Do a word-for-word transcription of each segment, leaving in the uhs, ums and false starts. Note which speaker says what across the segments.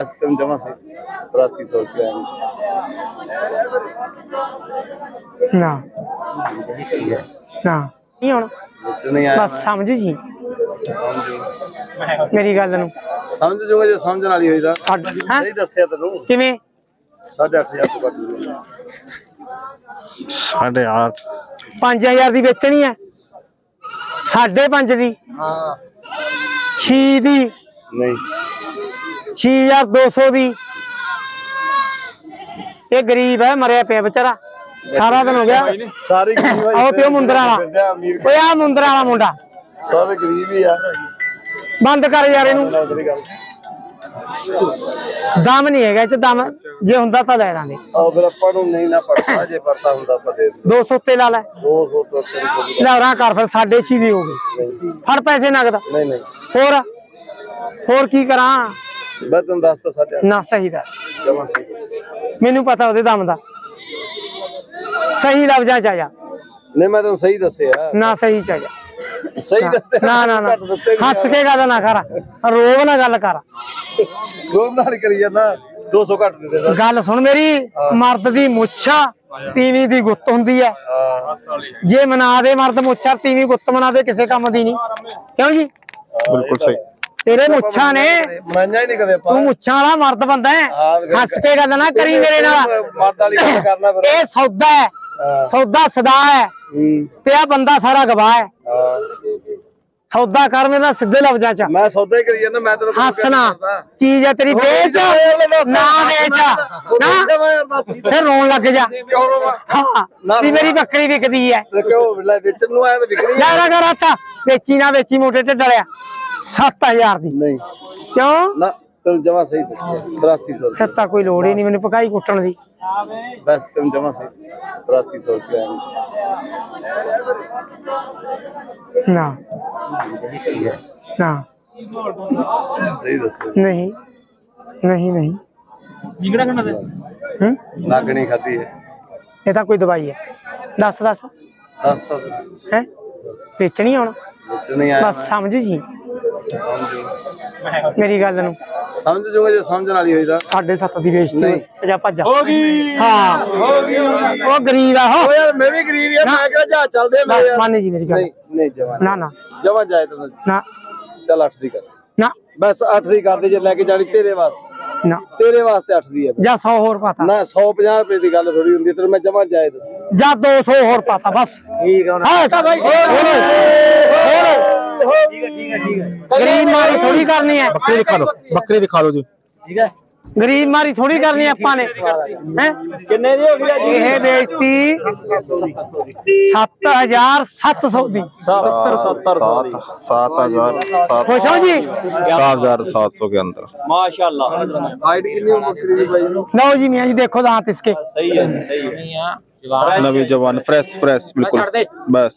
Speaker 1: तुम जमा से तिरासी सौ रुपया
Speaker 2: ना ना नहीं होना
Speaker 1: नहीं आया
Speaker 2: बस समझ जी मेरी गल नूं
Speaker 1: समझ जूंगा जो समझण वाली होई दा
Speaker 2: नहीं
Speaker 1: दस्सिया तैनूं
Speaker 2: किवें
Speaker 1: साढ़े अठ हजार तो घट
Speaker 3: साढ़े आठ
Speaker 2: पांच हजार दी बेचनी है साढ़े पांच दी
Speaker 1: हां
Speaker 2: छे दी
Speaker 1: नहीं
Speaker 2: छे हजार दो सौ दी ये गरीब है मरिया पे बेचारा सारा दिन हो गया
Speaker 1: सारे गरीब
Speaker 2: आओ पियो मुंदरा वाला ओए आ मुंदरा वाला मुंडा
Speaker 1: सारे गरीब ही आ
Speaker 2: बंद कर यार इनू दम नहीं है इच दम जे हुंदा तां ले लांगे
Speaker 1: आ फिर ਆਪਾਂ ਨੂੰ नहीं ना पड़ता जे पड़ता ਹੁੰਦਾ ਆਪਾਂ ਦੇ
Speaker 2: दो सौ ते ला ले
Speaker 1: दो सौ तो
Speaker 2: ले रा कर फिर साढ़े छे दी हो गई फड़ पैसे नगद
Speaker 1: नहीं नहीं
Speaker 2: होर होर की करा
Speaker 1: मैं तुम दस तो साढ़े
Speaker 2: ना सही दा
Speaker 1: जमा सही
Speaker 2: मैनू पता ओदे दम दा सही लफ्जा च जा
Speaker 1: नहीं मैं तुम सही दसे यार
Speaker 2: ना सही च जा
Speaker 1: सही दसे
Speaker 2: ना ना ना हंस के गल ना कर रोब ना गल कर
Speaker 1: रोब नाल करी जाना दो सौ घट दे दे
Speaker 2: गल सुन मेरी मर्द दी मुच्छा तीवी दी गुत्त हुंदी है जे मना दे मर्द मुच्छा तीवी गुत्त मना दे किसी काम दी नहीं क्यों जी
Speaker 3: बिल्कुल सही
Speaker 2: तेरे मुच्छा ने
Speaker 1: मनाया ही नहीं कदे
Speaker 2: तू मुच्छा वाला मर्द बंदा है हंस के गल ना करी मेरे नाल
Speaker 1: मर्द वाली गल करना फिर
Speaker 2: ए सौदा है सौदा सदा है ते आ बंदा सारा गवाह है सौदा कर मेरा सीधे लफ्जां च
Speaker 1: मैं सौदा ही करी जाना मैं तेरे
Speaker 2: हंसना चीज है तेरी बेच ना बेच ना फिर रोन लग जा हाँ मेरी बकरी बिकदी है
Speaker 1: क्यों बेचन नु आया तो बिकनी
Speaker 2: यार अगर आता बेची ना बेची मोटे ढिड वालिया सत्त हजार दी
Speaker 1: नहीं
Speaker 2: क्यों
Speaker 1: ना तुम जमा सही तिरासी सौ
Speaker 2: सत्ता कोई लोड़ ही नहीं मैंने पकाई कुटन दी
Speaker 1: बस तुम जमा सही तिरासी सौ रुपया
Speaker 2: ना ना
Speaker 1: सही दसो
Speaker 2: नहीं नहीं नहीं हम्म
Speaker 1: नागनी खाती है
Speaker 2: ये तो कोई दवाई है दस दस
Speaker 1: दस तो
Speaker 2: है बेचनी होना
Speaker 1: बेचन नहीं आया
Speaker 2: बस समझ जी मेरी गल नूं
Speaker 1: समझ जूंगा जो समझण वाली होई दा
Speaker 2: साढ़े सत्त दी बेचती जा भज्जा
Speaker 1: हो गई
Speaker 2: हाँ
Speaker 1: हो गई
Speaker 2: वो गरीब है हो
Speaker 1: ओ यार मैं भी गरीब यार मैं क्या जा चलदे मैं
Speaker 2: बस
Speaker 1: यार
Speaker 2: मान जी मेरी गल
Speaker 1: नहीं नहीं जमा
Speaker 2: ना ना
Speaker 1: जमा जाए तो
Speaker 2: ना
Speaker 1: चल अठ दी कर
Speaker 2: ना
Speaker 1: बस अठ दी कर दे जे लेके जानी तेरे वास्ते
Speaker 2: ना
Speaker 1: तेरे वास्ते अठ दी है
Speaker 2: जा सौ होर पाता
Speaker 1: ना सौ पचास रुपए की गल थोड़ी हुंदी तेरे मैं जमा जाए दस
Speaker 2: जा दो सौ होर पाता बस
Speaker 1: ठीक है
Speaker 2: हाँ भाई गरीब मारी थोड़ी करनी है
Speaker 3: बकरी दिखा दो बकरी दिखा दो जी
Speaker 1: ठीक है
Speaker 2: गरीब मारी थोड़ी करनी है अपा ने हैं
Speaker 1: कितने दी हो गई जी
Speaker 2: ये बेचती सत्त हजार सत्त सौ दी
Speaker 1: सत्तर सत्तर
Speaker 3: सात सात हजार सात
Speaker 2: खुश हो जी
Speaker 3: सात हजार सात सौ के अंदर
Speaker 1: माशाल्लाह हाइट कितनी हो बकरी दी भाई
Speaker 2: लो जी मियां जी देखो दांत इसके
Speaker 1: सही है सही है
Speaker 3: नवी जवान फ्रेश फ्रेश बिल्कुल बस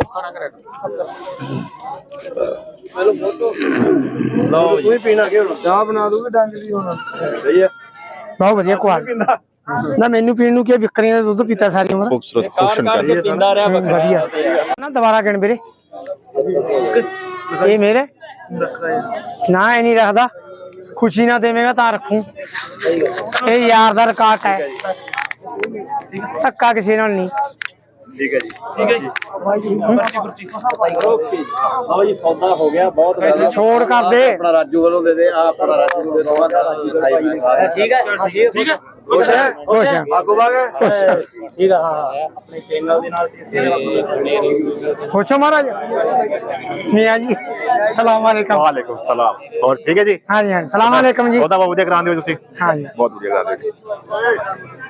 Speaker 1: लो कोई पीना क्यों चाह बना दूंगी डंग दी होना सही है
Speaker 2: बहुत बढ़िया क्वालिटी ना मेनू पीण नूं की बकरियां दा दुੱਧ पीता सारी उम्र
Speaker 3: खूबसूरत क्वेश्चन कर
Speaker 1: पींदा रहा
Speaker 2: बढ़िया ना दोबारा गिण ਵੀਰੇ ये मेरे ना ये नहीं रखदा खुशी ना देवेगा ਤਾਂ ਰੱਖੂ ਇਹ यार ਦਾ ਰਿਕਾਰਡ है ਧੱਕਾ ਕਿਸੇ ਨਾਲ नहीं
Speaker 1: ठीक है जी ठीक है जी ओके आओ जी सौदा हो गया बहुत
Speaker 2: छोड़ कर दे
Speaker 1: अपना राजू वालों दे दे आप अपना राजू दे दो ठीक है ठीक है खुश है
Speaker 2: खुश है
Speaker 1: आगू भाग ठीक है हां अपने चैनल दे नाल
Speaker 2: खुश हो महाराज मियां जी सलाम वालेकुम
Speaker 3: वालेकुम सलाम और ठीक है जी
Speaker 2: हाँ जी हाँ सलाम वालेकुम जी
Speaker 3: बहुत बहुत बढ़िया करा दियो ਤੁਸੀਂ
Speaker 2: हाँ जी
Speaker 3: बहुत बढ़िया करा दियो